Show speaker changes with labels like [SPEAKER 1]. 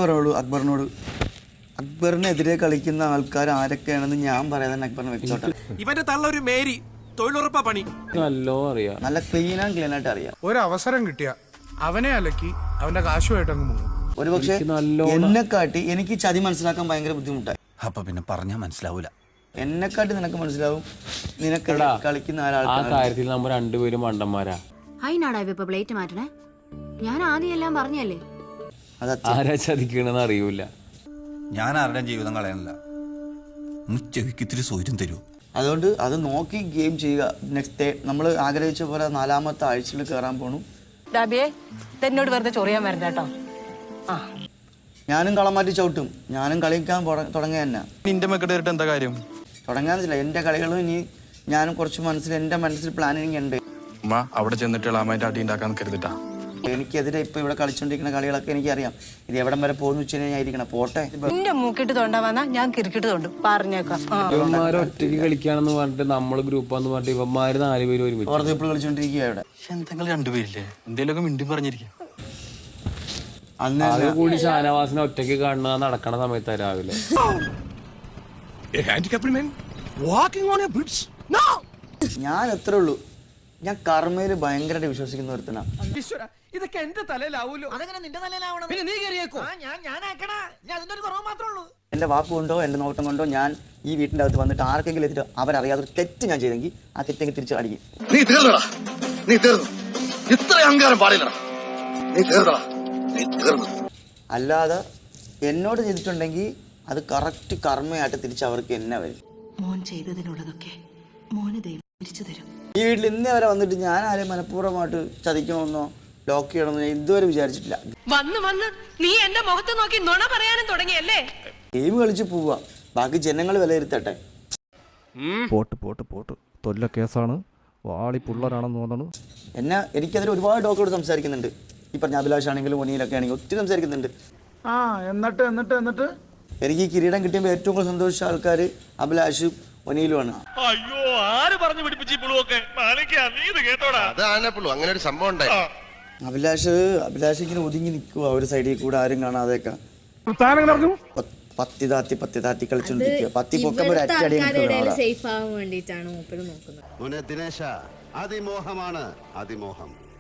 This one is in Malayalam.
[SPEAKER 1] പറയുള്ളൂ അക്ബറിനോട്. അക്ബറിനെതിരെ കളിക്കുന്ന ആൾക്കാർ ആരൊക്കെയാണെന്ന് ഞാൻ പറയാതെ അക്ബറിനെ വെച്ചോട്ടെ.
[SPEAKER 2] ഇവന്റെ തള്ള ഒരു മേരി തൊഴിലുറപ്പാ പണി.
[SPEAKER 1] നല്ല ക്ലീൻ ആയിട്ട് അറിയാം.
[SPEAKER 3] ഒരു അവസരം കിട്ടിയ അവനെ അലക്കി അവന്റെ കാശുമായിട്ട് അങ്ങ് പോകും.
[SPEAKER 1] ഒരുപക്ഷെ എന്നെക്കാട്ടി എനിക്ക് ചതി മനസ്സിലാക്കാൻ ഭയങ്കര ബുദ്ധിമുട്ടായി.
[SPEAKER 4] അപ്പൊ പിന്നെ പറഞ്ഞാൽ മനസ്സിലാവൂല.
[SPEAKER 1] എന്നെക്കാട്ടി നിനക്ക് മനസ്സിലാവും. നിനക്ക് കളിക്കുന്ന
[SPEAKER 5] ആ കാര്യത്തിൽ നമ്മൾ രണ്ടുപേരും മണ്ടന്മാരാ.
[SPEAKER 6] അതിനാടാ ഇപ്പൊ പ്ലേറ്റ് മാറ്റണേ? ഞാൻ ആദ്യം എല്ലാം പറഞ്ഞല്ലേ.
[SPEAKER 5] ആരാ ചതിക്കണെന്ന് അറിയൂല.
[SPEAKER 4] ഞാൻ ആരുടെയും ജീവിതം കളയണില്ല. ചെവിക്ക് ഇത്തിരി സൗകര്യം തരൂ.
[SPEAKER 1] അതുകൊണ്ട് അത് നോക്കി ഗെയിം ചെയ്യുക. നെക്സ്റ്റ് നമ്മൾ ആഗ്രഹിച്ച പോലെ 4-ാമത്തെ ആഴ്ചയിൽ കയറാൻ പോണു.
[SPEAKER 7] എന്നോട് വെറുതെ ചൊറിയാൻ വരണ്ട കേട്ടോ.
[SPEAKER 1] ഞാനും കളം മാറ്റി ചവിട്ടും. ഞാനും കളിക്കാൻ തുടങ്ങിയ തന്നെ.
[SPEAKER 2] നിന്റെ മക്കളുടെ എന്താ കാര്യം?
[SPEAKER 1] തുടങ്ങാന്നില്ല. എൻ്റെ കളികളും ഇനി ഞാനും കുറച്ച് എൻ്റെ മനസ്സിൽ പ്ലാനിങ് ഉണ്ട്.
[SPEAKER 2] അവിടെ ചെന്നിട്ട് ഇളാമായിട്ട് അടി ഉണ്ടാക്കാൻ കരുതിട്ടാ.
[SPEAKER 1] എനിക്കെതിരെ ഇപ്പൊ ഇവിടെ കളിച്ചോണ്ടിരിക്കുന്ന കളികളൊക്കെ എനിക്കറിയാം. ഇത് എവിടം വരെ പോകുന്ന വെച്ച് കഴിഞ്ഞാൽ ഇരിക്കണം. പോട്ടെ.
[SPEAKER 7] നിന്റെ മൂക്കിട്ട് തോണ്ടാ വന്നാ ഞാൻ കിരിക്കിട്ട് തോണ്ടും പറഞ്ഞേക്കാം.
[SPEAKER 5] ഇവന്മാര് ഒറ്റയ്ക്ക് കളിക്കാണെന്ന് പറഞ്ഞിട്ട് നമ്മള് ഗ്രൂപ്പാന്ന് പറഞ്ഞിട്ട് ഇവന്മാര് 4 പേര് ഒരുമിച്ച്
[SPEAKER 1] പുറത്ത് ഇപ്പോൾ കളിച്ചോണ്ടിരിക്കുക ഇവിടെ.
[SPEAKER 2] എന്തെങ്കിലും രണ്ടുപേരില്ലേ എന്തേലൊക്കെ മിണ്ടി പറഞ്ഞിരിക്കും.
[SPEAKER 5] അത് കൂടി ഷാനവാസിനെ ഒറ്റയ്ക്ക് കാണുന്ന നടക്കണ സമയത്താ രാവിലെ.
[SPEAKER 1] ഞാൻ എത്ര ഉള്ളൂ. ഞാൻ കർമ്മയില് ഭയങ്കരമായിട്ട് വിശ്വസിക്കുന്ന ഒരുത്തനാ.
[SPEAKER 2] ഇതൊക്കെ എന്റെ തലയിലാവൂലോ.
[SPEAKER 8] അതെങ്ങനെ നിന്റെ തലയിലാവണം? പിന്നെ നീ കയറിയേക്കോ? ഞാനാക്കണ. ഞാൻ അതിന്റെ ഒരു കുറവ് മാത്രമേ ഉള്ളൂ.
[SPEAKER 1] എന്റെ വാക്ക് കൊണ്ടോ എന്റെ നോട്ടം കൊണ്ടോ ഞാൻ ഈ വീട്ടിന്റെ അകത്ത് വന്നിട്ട് ആർക്കെങ്കിലും എത്തിയിട്ട് അവരറിയാതെ തെറ്റ് ഞാൻ ചെയ്തെങ്കിൽ ആ തെറ്റെങ്കിൽ തിരിച്ചു അടിക്കും.
[SPEAKER 9] നീ തീർന്നടാ. നീ തീർന്നു. ഇത്ര അഹങ്കാരം പാടില്ലടാ. നീ തീർന്നടാ. നീ തീർന്നു.
[SPEAKER 1] അല്ലാതെ എന്നോട് ചെയ്തിട്ടുണ്ടെങ്കിൽ അത് കറക്റ്റ് കർമ്മയായിട്ട് തിരിച്ച് അവർക്ക് എന്നെ വരും.
[SPEAKER 8] മോൻ ചെയ്തതിനുള്ളതൊക്കെ മോന് ദൈവം തിരിച്ചു തരും.
[SPEAKER 1] ഈ വീട്ടിൽ ഇന്നേ വരെ വന്നിട്ട് ഞാൻ ആരെയും മനഃപൂർവ്വമായിട്ട് ചതിക്കണമെന്നോ ലോക്ക് ചെയ്യണമെന്നോ ഞാൻ ഇതുവരെ വിചാരിച്ചിട്ടില്ല.
[SPEAKER 7] വന്ന് നീ എന്റെ മുഖത്ത് നോക്കി നുണ പറയാനും തുടങ്ങിയല്ലേ.
[SPEAKER 1] ഗെയിം കളിച്ച് പോവുക. ബാക്കി ജനങ്ങൾ വിലയിരുത്തട്ടെ.
[SPEAKER 10] പോട്ട് തൊല്ല കേസാണ്. വാളി പുള്ളരാണെന്ന് തോന്നുന്നു.
[SPEAKER 1] എനിക്കതിൽ ഒരുപാട് ഡോക്ടറോട് സംസാരിക്കുന്നുണ്ട്. ഈ പറഞ്ഞ അഭിലാഷ് ആണെങ്കിലും ഒനിയിലൊക്കെ ആണെങ്കിലും ഒത്തിരി സംസാരിക്കുന്നുണ്ട്.
[SPEAKER 3] എന്നിട്ട്
[SPEAKER 1] എനിക്ക് ഈ കിരീടം കിട്ടിയപ്പോൾ ഏറ്റവും കൂടുതൽ സന്തോഷിച്ച ആൾക്കാർ അഭിലാഷും ഒനിയിലുമാണ്.
[SPEAKER 2] അയ്യോ ആര് പറഞ്ഞു പിടിപ്പിച്ചു
[SPEAKER 9] അങ്ങനെ ഒരു സംഭവം ഉണ്ടായി.
[SPEAKER 1] അഭിലാഷ് ഇങ്ങനെ ഒതുങ്ങി നിൽക്കുക ഒരു സൈഡിൽ കൂടെ ആരും കാണാതെയൊക്കെ. പത്തി താത്തി കളിച്ചോണ്ടിരിക്കുക. പത്തി പൊക്കുമ്പോൾ ഒരടി
[SPEAKER 6] സേഫ് ആവാൻ വേണ്ടിയിട്ടാണ് മൂപ്പര് നോക്കുന്നത്.
[SPEAKER 9] ദിനേശ അതിമോഹമാണ് അതിമോഹം.